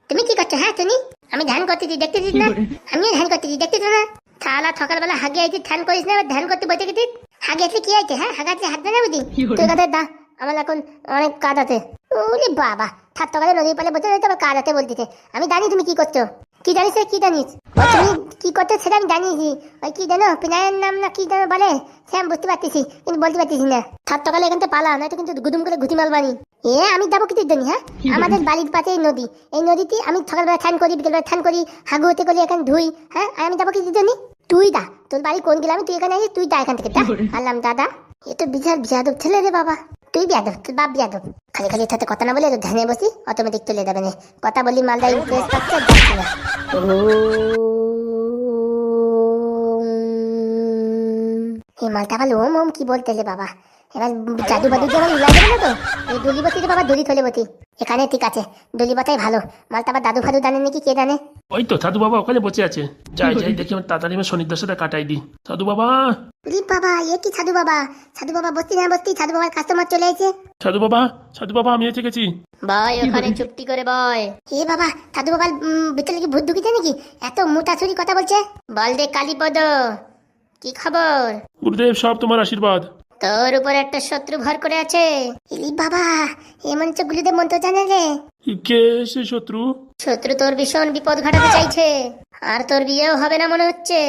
তুমি কি করছো? হ্যাঁ তুমি, আমি ধ্যান করতেছি দেখতেছিস না? আমিও ধ্যান করতেছি দেখতেছ না? শালা সকালবেলা হাগে আইছি ধ্যান করিস না, ধ্যান করতে বসে গেছিস। হাগে আসলে কি হয়েছে? হ্যাঁ হাগাতে হাত দেয় না বুঝি? তুই কথা দা, আমার এখন অনেক কাজ আছে। ওরে বাবা, থাক সকালে নদীর পালে বসে রয়েছে আবার কাজ আছে বলতেছে। আমি জানি তুমি কি করছো। কি জানিস রে, কি জানিস? ও তুমি কি করছো সেটা আমি জানিয়েছি। ওই কি জানো, পিনায়ের নাম না কি জানো বলে, সে আমি বুঝতে পারতেছি কিন্তু বলতে পারতেছি না। থাক সকালে এখান থেকে পালা, নয়তো কিন্তু গুদুম করে ঘুটি মারবানি। আমি যাবো কিছুর জন্য? হ্যাঁ, আমাদের বাড়ির পাশে এই নদী, এই নদীতে আমি সকালবেলা স্নান করি, বিকেলবেলা স্নান করি, হাগু হতে করি, এখানে ধুই। হ্যাঁ, আর আমি যাবো কিছুর জন্য? তুই দা, তোর বাড়ি কোন গেলাম, তুই এখানে আসিস, তুই দা এখান থেকে। আল্লাম দাদা, এ তো বিশাল বিয়াদব ছেলে রে বাবা। তুই বিয়াদব, তোর বাপ বিয়াদব। খালি খালি সাথে কথা না বলে তো ধ্যানে বসি, অটোমেটিক চলে যাবে না। কথা বলি মালদা ইন্টারেস্ট পাচ্ছে, যাচ্ছি না। এই মালটা আবার ওম ওম কি বলতেলে বাবা। এবার জাদু বাদু দিয়ে আমার উড়াই দেবে না তো? এই ডলি বসি রে বাবা, ডলি থলে বসি। এখানে ঠিক আছে, ডলি বাতাই ভালো। মালটা আবার দাদু ফাদু জানে নাকি, কে জানে। ওই তো সাধু বাবা ওখানে বসে আছে। যাই যাই দেখি আমার তাড়াতাড়ি আমার শনিদার সাথে কাটাই দিই। সাধু বাবা, রি বাবা, এ কি সাধু বাবা? সাধু বাবা বসতি না বসতি, সাধু বাবার কাস্টমার চলে এসেছে। সাধু বাবা, সাধু বাবা আমি এসে গেছি। বয় ওখানে চুপটি করে বয়। এ বাবা, সাধু বাবার ভিতরে কি ভূত ঢুকেছে নাকি? এত মোটা ছুরি কথা বলছে। বল দে কালীপদ, কি খবর? গুরুদেব সব তোমার আশীর্বাদ। তোর উপর একটা শত্রু ভর করে আছে। ইলি বাবা, এমন তো গুলিদের মন্ত্র জানে রে। কে সে শত্রু? শত্রু তোর ভীষণ বিপদ ঘটাতে চাইছে, আর তোর বিয়েও হবে না মনে হচ্ছে।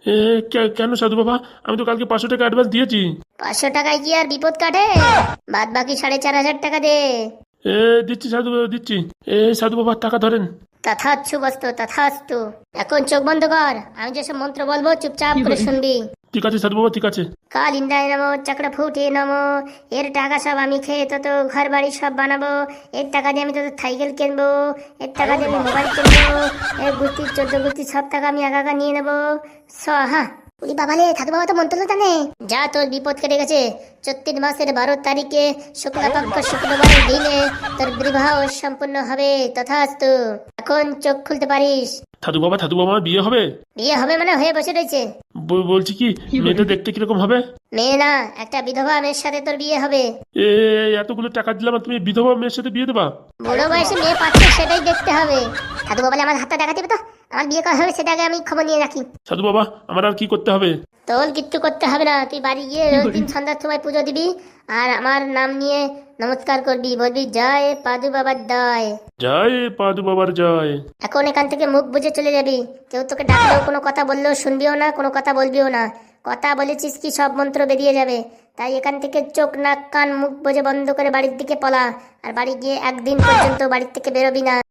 কেন সাধু বাবা? আমি তো কালকে 500 টাকা অ্যাডভান্স দিয়েছি। 500 টাকায় কি আর বিপদ কাটে? বাদ বাকি 4,500 টাকা দে। দিচ্ছি সাধু বাবা দিচ্ছি। সাধু বাবা টাকা ধরেন। তথাস্তু বস্তু তথাস্তু। এখন চোখ বন্ধ কর, আমি যেসব মন্ত্র বলবো চুপচাপ করে শুনবি। ঠিক আছে সাধু বাবা ঠিক আছে। কাল ইন্দ্রায় নমো, চক্র ফুটে নমো। এর টাকা সব আমি খেয়ে তত ঘর বাড়ি সব বানাবো। এর টাকা দিয়ে আমি তত সাইকেল কিনবো। এর টাকা দিয়ে আমি মোবাইল কিনবো। এর গুস্তি 14 গুস্তি সব টাকা আমি একা একা নিয়ে নেবো। হ্যাঁ, উনি বাবালে সাধু বাবা তো মন্ত্র জানে। যা, তোর বিপদ কেটে গেছে। 34 মাসের 12 তারিখে শুক্লাপক্ষ শুক্রবারের দিনে তোর বিবাহ সম্পূর্ণ হবে। তথাস্তু। এখন চোখ খুলতে পারিস। সাধু বাবা বিয়ে হবে? বিয়ে হবে মানে হয়ে বসে রয়েছে। বলছি কি, মেয়েটা দেখতে কিরকম হবে? মেয়ে না, একটা বিধবা মেয়ের সাথে তোর বিয়ে হবে। এতগুলো টাকা দিলাম আর তুমি বিধবা মেয়ের সাথে বিয়ে দেবা? বুড়ো বয়সে মেয়ে পাচ্ছে সেটাই দেখতে হবে। সাধু বাবা আমার হাতটা দেখা দেবে তো, আমার বিয়ে করা হবে সেটা আগে আমি খবর নিয়ে রাখি। সাধু বাবা আমার আর কি করতে হবে? তোর কিচ্ছু করতে হবে না, তুই বাড়ি গিয়ে রোজ দিন সন্ধ্যার সময় পুজো দিবি, আর আমার নাম নিয়ে নমস্কার করবি, বলবি জয় পাদু বাবার জয়। জয় পাদু বাবার জয়। এখন এখান থেকে মুখ বুঝে চলে যাবি। কেউ তোকে ডাকলেও কোনো কথা বললেও শুনবিও না, কোনো কথা বলবিও না। কথা বলেছিস কি সব মন্ত্র বেরিয়ে যাবে। তাই এখান থেকে চোখ নাক কান মুখ বুঝে বন্ধ করে বাড়ির দিকে পলা। আর বাড়ি গিয়ে একদিন পর্যন্ত বাড়ির থেকে বেরোবি না।